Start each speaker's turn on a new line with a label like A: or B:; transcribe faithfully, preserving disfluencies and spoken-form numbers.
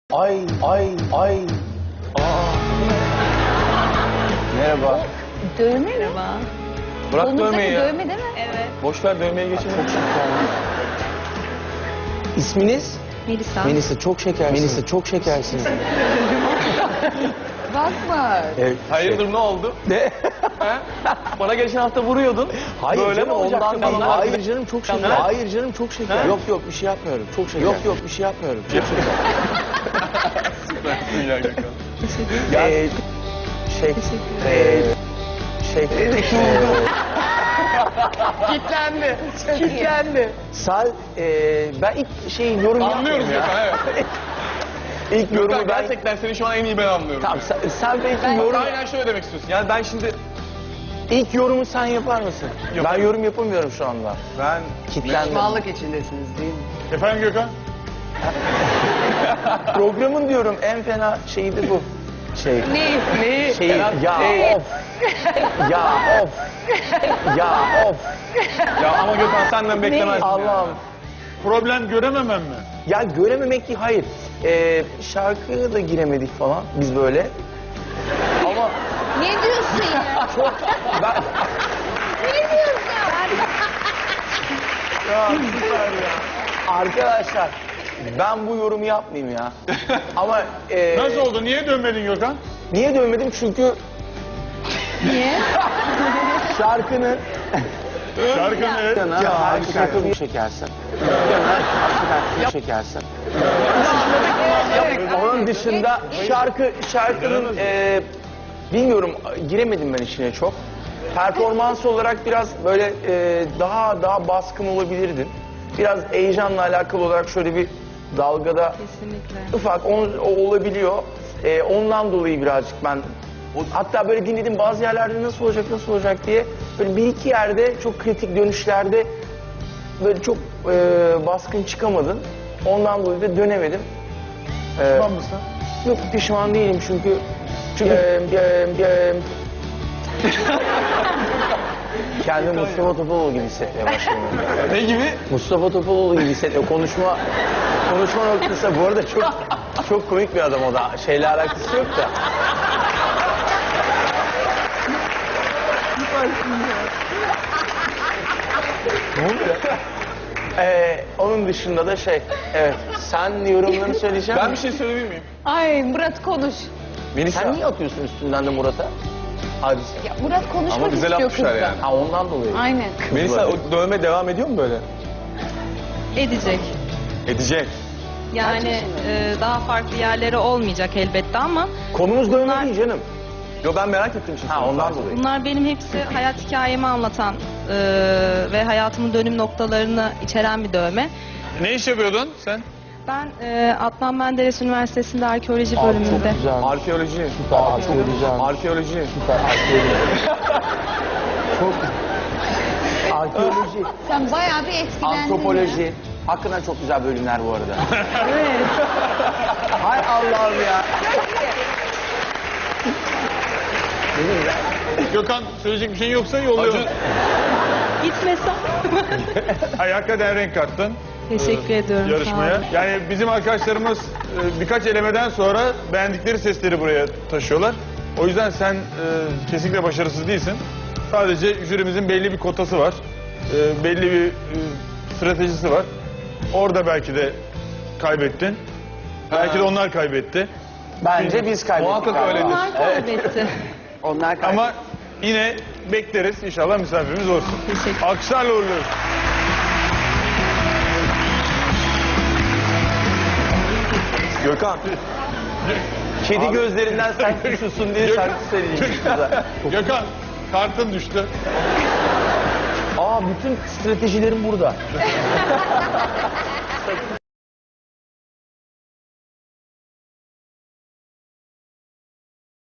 A: Ay, ay, ay. Aa. Merhaba.
B: Dövme mi?
C: Merhaba.
A: Bırak
B: Kolunuzdaki
A: dövmeyi ya.
B: dövme değil mi?
C: Evet.
A: Boş ver dövmeye geçelim. Çok şeker. İsminiz?
C: Melisa.
A: Melisa çok şekersiniz. Melisa çok şekersiniz.
B: Bakma.
A: Evet,
D: Hayırdır ne oldu?
A: Ne?
D: He? Bana geçen hafta vuruyordun.
A: Hayır
D: Böyle
A: canım
D: mi olacaktı
A: ondan değil.
D: falan?
A: Hayır canım çok şeker.
D: Ha?
A: Hayır canım çok şeker.
D: Ha?
A: Yok yok bir şey yapmıyorum. Çok şeker. Yok yok bir şey yapmıyorum. Çok şeker.
D: Süpersin ya Gökhan.
A: Ee, şey, ee, şey, ee,
D: Kitlendi. Kitlendi.
A: Sal, ee, ben ilk şey yorum
D: Anlıyoruz
A: yapmıyorum ya.
D: Gökhan evet.
A: İlk yorumu
D: Gökhan
A: ben...
D: gerçekten seni şu an en iyi ben anlıyorum.
A: Tamam sen, sen belki yorum...
D: Aynen şöyle demek istiyorsun. Yani ben şimdi...
A: İlk yorumu sen yapar mısın?
D: Yaparım.
A: Ben yorum yapamıyorum şu anda.
D: Ben...
A: Kitlendim.
E: Pişmanlık içindesiniz değil mi?
D: Efendim Gökhan?
A: Programın diyorum en fena şeyi de bu. Şey.
B: Ne?
E: Neyi?
A: Şey ya of. Ya of. Ya of.
D: Ya ama Gökhan senden beklemezdim ya.
A: Allah'ım.
F: Problem görememem mi?
A: Ya görememek değil hayır. Ee, şarkıya da giremedik falan biz böyle. Ama
B: Ne diyorsun ya?
A: çok ben
B: Ne diyorsun?
A: ya süper ya. Arkadaşlar ben bu yorumu yapmayayım ya. Ama e,
F: Nasıl oldu? Niye dönmedin Gökhan?
A: niye dövmedim? Çünkü
B: Niye?
A: şarkının
F: Şarkının evet.
A: ya harika şarkı bir çekersin. Hakikaten çekersin. Onun dışında şarkı şarkının e, bilmiyorum giremedim ben içine çok. Performans olarak biraz böyle e, daha daha baskın olabilirdin. Biraz heyecanla alakalı olarak şöyle bir dalgada
C: Kesinlikle.
A: ufak o, o olabiliyor. E, ondan dolayı birazcık ben hatta böyle dinledim bazı yerlerde nasıl olacak nasıl olacak diye böyle bir iki yerde çok kritik dönüşlerde böyle çok e, baskın çıkamadın. Ondan dolayı da dönemedim. E,
F: Tamam mısın?
A: Yok pişman değilim çünkü çünkü e, e, e, kendimi Mustafa Topaloğlu gibi hissetmeye başladım.
D: Ne gibi?
A: Mustafa Topaloğlu gibi hissediyor. Konuşma konuşma noktası bu arada çok çok komik bir adam o da. Şeyle alakası yok da. Ne oldu ya? Ee, onun dışında da şey, evet sen yorumlarını söyleyeceğim.
D: Ben bir şey söyleyebilir miyim?
B: Ay Murat konuş.
D: Melisa.
A: Sen niye atıyorsun üstünden de Murat'a? Hadise.
B: Ya Murat konuşmak
D: Ama güzel
B: istiyor
D: atmışlar
B: kızla.
D: yani.
A: Ha ondan dolayı.
B: Aynen.
D: Melisa o dövme devam ediyor mu böyle?
C: Edecek.
D: Edecek.
C: Yani e, daha farklı yerleri olmayacak elbette ama
A: Konumuz dövme
C: Bunlar-
A: değil canım.
D: Yo ben merak ettim şimdi.
A: Ha ondan dolayı.
C: bunlar benim hepsi hayat hikayemi anlatan e, ve hayatımın dönüm noktalarını içeren bir dövme.
F: Ne iş yapıyordun sen?
C: Ben e, Adnan Menderes Üniversitesi'nde arkeoloji bölümünde.
A: Çok güzel.
D: Arkeoloji.
A: Süper, çok güzel.
D: Arkeoloji.
A: Süper arkeoloji. Çok arkeoloji,
B: Sen bayağı bir etkilendin ya.
A: antropoloji. Hakikaten çok güzel bölümler bu arada. Hay Allah'ım ya. Dedim ya.
F: Gökhan söyleyecek bir şeyin yoksa yolluyorum.
D: Acun.
C: Gitmesem.
F: Hayır, hakikaten renk kattın
C: Teşekkür ediyorum. sağ
F: yarışmaya.
C: olun.
F: Yani bizim arkadaşlarımız e, birkaç elemeden sonra beğendikleri sesleri buraya taşıyorlar. O yüzden sen e, kesinlikle başarısız değilsin. Sadece jürimizin belli bir kotası var. E, belli bir e, stratejisi var. Orada belki de kaybettin. Belki de onlar kaybetti.
A: Bence biz kaybettik.
D: Muhakkak
A: abi.
D: öyledir.
C: Onlar kaybetti.
E: Onlar kaybetti.
F: Ama yine bekleriz. İnşallah misafirimiz olsun.
C: Teşekkür.
F: Alkışlarla uğurluyoruz.
D: Gökhan.
A: Kedi gözlerinden sen suçlusun diye şarkı söyleyeceksin kıza.
F: Gökhan, kartın düştü.
A: Aa bütün stratejilerim burada.